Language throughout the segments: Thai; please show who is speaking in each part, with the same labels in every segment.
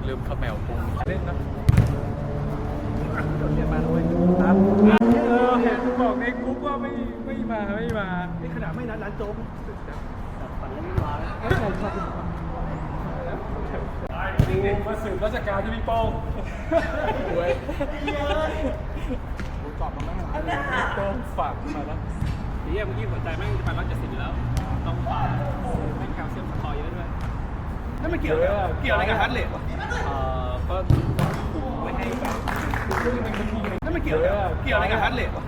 Speaker 1: ลืมข้าวแมวปรุงเล่นนะ
Speaker 2: เรียนมาด้วยครับ
Speaker 1: เห็นบอกในกรุ๊ปว่าไม่มา
Speaker 2: นี่ขนาดไม่นัดร้านโจ๊กปั่นแล้วไม่มาแล้ว
Speaker 1: มาสืบราชการที่พี่โป้งเว้ยตอบมาแล้วโป้งฝากมาแล้ว
Speaker 2: นี่เมื่อกี้หัวใจแม่งจะไป170แล้วต้องฝากแม่งแคลเซียมสคอร์เยอะด้วยนั่นมันเกี่ยวอะไรกับฮาร์ดเรทวะ
Speaker 1: ก็ไม่ให้แบบ
Speaker 2: นั่นมันเกี่ยวอะไรกับฮาร์ดเรทวะ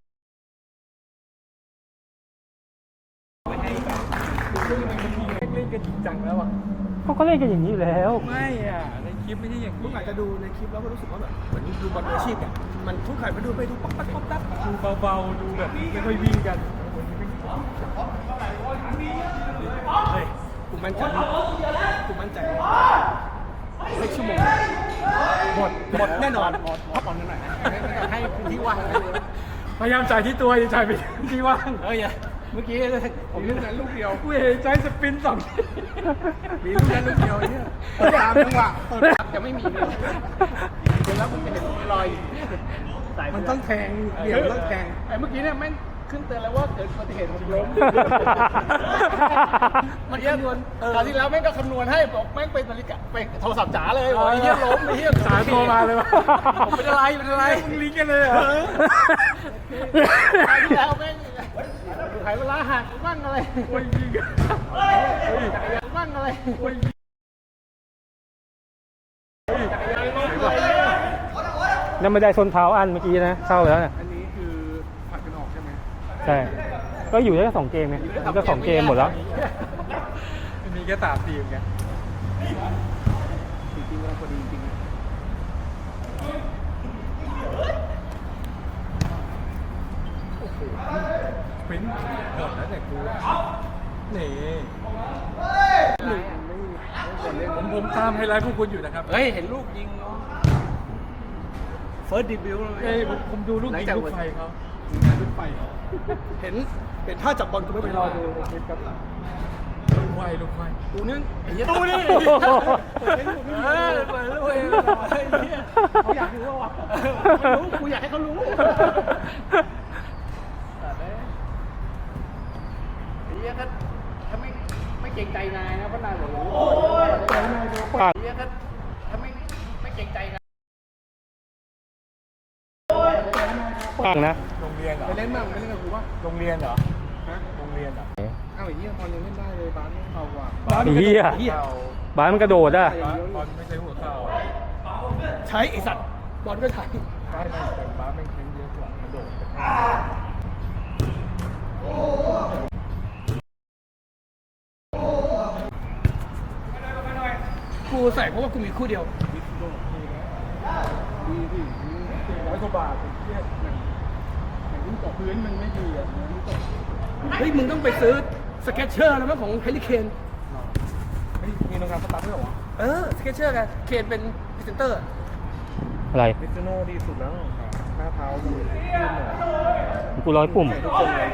Speaker 1: ไม่ให้แบบเล่นกันจริงจังแล้วอ่ะ
Speaker 3: เขาก็เล่นกันอย่างนี้อยู่แล้ว
Speaker 1: ไม่อ่ะในคลิปไม่ใช่อย่างนี้
Speaker 2: ลูกอาจจะดูในคลิปแล้วก็รู้สึกว่าแบบเหมือนดูบอลมืออาชีพอ่ะมันทุกข่ายมันดูไปดูป๊อกป๊อกป๊อกป๊อก
Speaker 1: ดูเบาๆดูแบบไม่ค่อยวิ่งกัน
Speaker 2: เฮ้ยกูมั่นใจสักชั่วโมงหมดแน่นอนพักผ่อนกันหน่อยให้พื้นที่ว่าง
Speaker 1: พยายามจ่ายที่ตัวอย่าจ่ายไปที่ว่าง
Speaker 2: เมื่อกี้ผมลูกนั้นลูกเดียว
Speaker 1: กูเห็นใจสปิน2
Speaker 2: มีลูกนั้นลูกเดียวเนี่ยตามจังหวะจะไม่มีเลยเดี๋ยวแล้วผมจะเห็นรอยมันต้องแทงเดี่ยวต้องแทงไอ้เมื่อกี้เนี่ยแม่งขึ้นเตือนแล้วว่าเกิดอุบัติเหตุผมล้มมันคำนวณคราวที่แล้วแม่งก็คำนวณให้บอกแม่งเป็นนาฬิกาไปโทรศัพท์จ๋าเลยบอกไอ้เหี้ยล้มไอ้เหี้ย
Speaker 1: สายโทรมาเลยวะ
Speaker 2: เป็นอะไร
Speaker 1: มึงลิงกันเลยเหรอ
Speaker 2: คราวที่แล้วแม่งขายเวลาหักบ้างอะไร
Speaker 1: โอ้ยยิง
Speaker 2: บ้างอะไร
Speaker 1: โอ้ย
Speaker 3: นั่นไม่ได้ส้นเท้าอันเมื่อกี้นะเข้าไปแล้วเนี่ย
Speaker 2: อันนี้คือผัดกันออกใช่ไหม
Speaker 3: ใช่ก็อยู่ได้แค่2 เกมไงมันก็2 เกมหมดแล้ว
Speaker 1: มีแค่3 ทีมไง
Speaker 2: จริงๆเราพอดีจริง
Speaker 1: ปิ้นหมดแล้วแต่กูนี่ผมตามไฮไลท์พวกคุณอยู่นะครับ
Speaker 2: เฮ้ยเห็นลูกยิงเฟิร์สดิบิว
Speaker 1: เฮ้ยผมดูลูกยิงลูกไฟเขาลูกไฟ
Speaker 2: เห็นท่าจับบอลกูไม่ไปรอดูในคลิปครับ
Speaker 1: ลูกไฟ
Speaker 2: ดูนี่
Speaker 1: ดูนี่
Speaker 2: เปิดลูกเขาอยากรู้ว่ากูอยากให้เขารู้ไอ้เหี้ยก็ถ้าไม่เก่งใจนายนะเพราะนายบอกโอ้ยไอ้เหี้ยก็ถ้าไม่เก่งใจนาย
Speaker 3: ปังนะ
Speaker 1: โรงเรียนเหรอ
Speaker 2: ไปเล่นบ้างไปเล่นกับกูป่ะ
Speaker 1: โรงเรียนเหรอฮะโรงเรียนเหรอ
Speaker 2: ไอ้เหี้ยบอลยังเล่นได้เลยบาสไม่เอาว่ะ
Speaker 3: เหี้ยบาสมันกระโดดอ่ะ
Speaker 1: บอลไม่ใช่หัวเข่า
Speaker 2: ใช้ไอสัตว์บอลก็ถ่าย
Speaker 1: ไม่แต่บาสมันแข็งเยอะกว่ากระโดด
Speaker 2: กูใส่เพราะว่ากูมีคู่เดียวดี100 กว่าบาทเทียบอย่างนี้ต่อพื้นมันไม่ดีอ่ะเฮ้ยมึงต้องไปซื้อสเก็ตเชอร์แล้วมั้งของเฮลิเคน
Speaker 1: มีโรงงานสตาร์ทด้วยเหรอ
Speaker 2: สเก็ตเชอร์กันเคนเป็นพรีเซนเตอร์
Speaker 3: อะไร
Speaker 1: มิซูโน่ดีสุดแล้วหน้าเท้าดูยื่นหน่อย
Speaker 3: กูร้อยปุ่ม
Speaker 1: ทุกคนเลย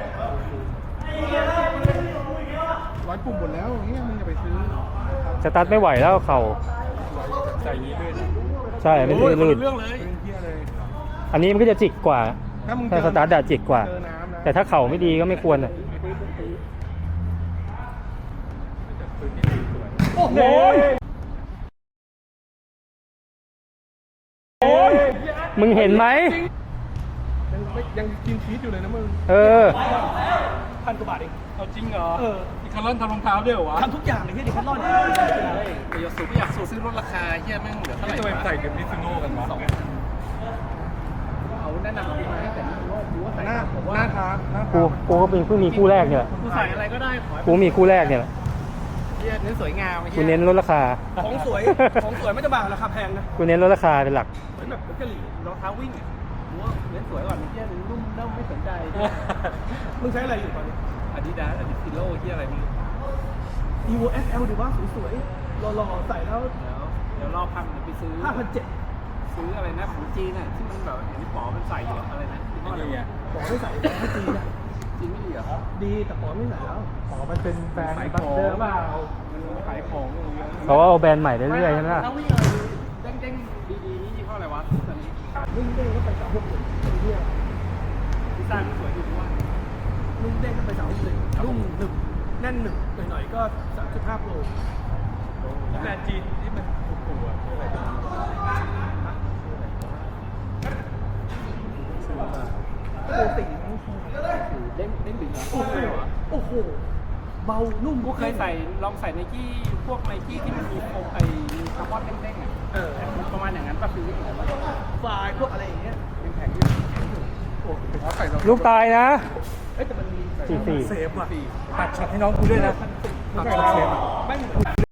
Speaker 2: 100 ปุ่มหมดแล้วเนี่ยมึงจะไปซื้อ
Speaker 3: สตาร์ทไม่ไหวแล้วเข่า
Speaker 1: ใส่ยีลื่น
Speaker 3: ใช่ไม่ลื่น
Speaker 2: เรื่องเลย
Speaker 3: อันนี้มันก็จะจิกกว่าถ้าสตาร์ทจิกกว่าแต่ถ้าเข่าไม่ดีก็ไม่ควรอ่ะ
Speaker 2: โอ้โห
Speaker 3: มึงเห็นไหม
Speaker 2: ยังกินชีสอยู่เลยนะมึง1,000 กว่าบาทเอง
Speaker 1: เอาจริงเหรอดิคาร์ลอนทำรองเท้าด้วยเหรอวะ
Speaker 2: ทำทุกอย่างเลยที่ดิคาร์ลอน
Speaker 1: ไม่อยากสูซื้อลดราคาเฮียแม่งเหลือเท่าไหร่จะไปใส่กับมิซูโน่กันวะ
Speaker 2: เขาแนะนำดีไหมแต่ไม่รู้ว่าใส่หน้าทาง
Speaker 3: กูก็เป็นเพิ่งมีคู่แรกเนี่ย
Speaker 2: กูใส่อะไรก็ได้
Speaker 3: กูมีคู่แรกเนี่ย
Speaker 2: เน้นสวยงาม
Speaker 3: กูเน้นลดราคา
Speaker 2: ของสวยไม่จะบางราคาแพงนะ
Speaker 3: กูเน้นลดราคาเป็นหลัก
Speaker 2: เหมือนแบบกะหรี่รองเท้าวิ่งอ่ะกูว่าเน้นสวยก่อนเฮียนุ่มเน่าไม่สนใจมึงใช้อะไรอยู่ตอนนี้
Speaker 1: Adidasซิโร่ที่อะไรมึง
Speaker 2: Evo SL ดีว่าสวยๆหล่อๆใส่แล้ว
Speaker 1: เดี๋ยวรอพังเดี๋ยวไปซื้อ
Speaker 2: 5,700
Speaker 1: ซื้ออะไรนะของจีนน่ะที่มันแบบอย่างที่ป๋อมันใส่อยู่อะไรนะ
Speaker 2: ไม่ดีอ่ะป๋อไม่ใส่ของจีนอ่ะ
Speaker 1: จีนไม่ดีเหรอ
Speaker 2: ดีแต่ป๋อไม่ใส่แล้ว
Speaker 1: ป๋อมันเป็นแฟนบัตเตอร์เปล่า
Speaker 2: ขายของอย่างเงี้ย
Speaker 3: เขาเอาแบรนด์ใหม่เรื่อยๆใช่ไหมล่ะ
Speaker 2: แล้ววิ่งอะไรเด้งๆดีๆนี่ยี่ห้ออะไรวะตอนนี้วิ่งเด้งก็ไป361เที่ยวดีไซน์มันสวยดีว่าลุ่มเด้งก็ไป361ลุ่มหนึบแน่นหนึบหน่อยๆก็35โล
Speaker 1: แบรนด์จีนที่มันถูกๆอ่ะคืออะไรบ้าง
Speaker 2: โอ้ติ่งเด้งดีนะโอ้โหเบานุ่มกูเคยใส่ลองใส่ไนกี้พวกไนกี้ที่มันมีโครงไอ้คาร์บอนเด้งๆอ่ะประมาณอย่างนั้นป่ะคือไฟพวกอะไรอย่างเงี้ยเป็นแข็งอยู่โอ้เขาใส่
Speaker 3: ลูกตายนะ
Speaker 2: เอ้ยแต่มันมี
Speaker 3: 44
Speaker 1: เซฟว่ะตัดช็อตให้น้องกูด้วยนะตัดช็อตเซฟอ่ะ
Speaker 2: ไม่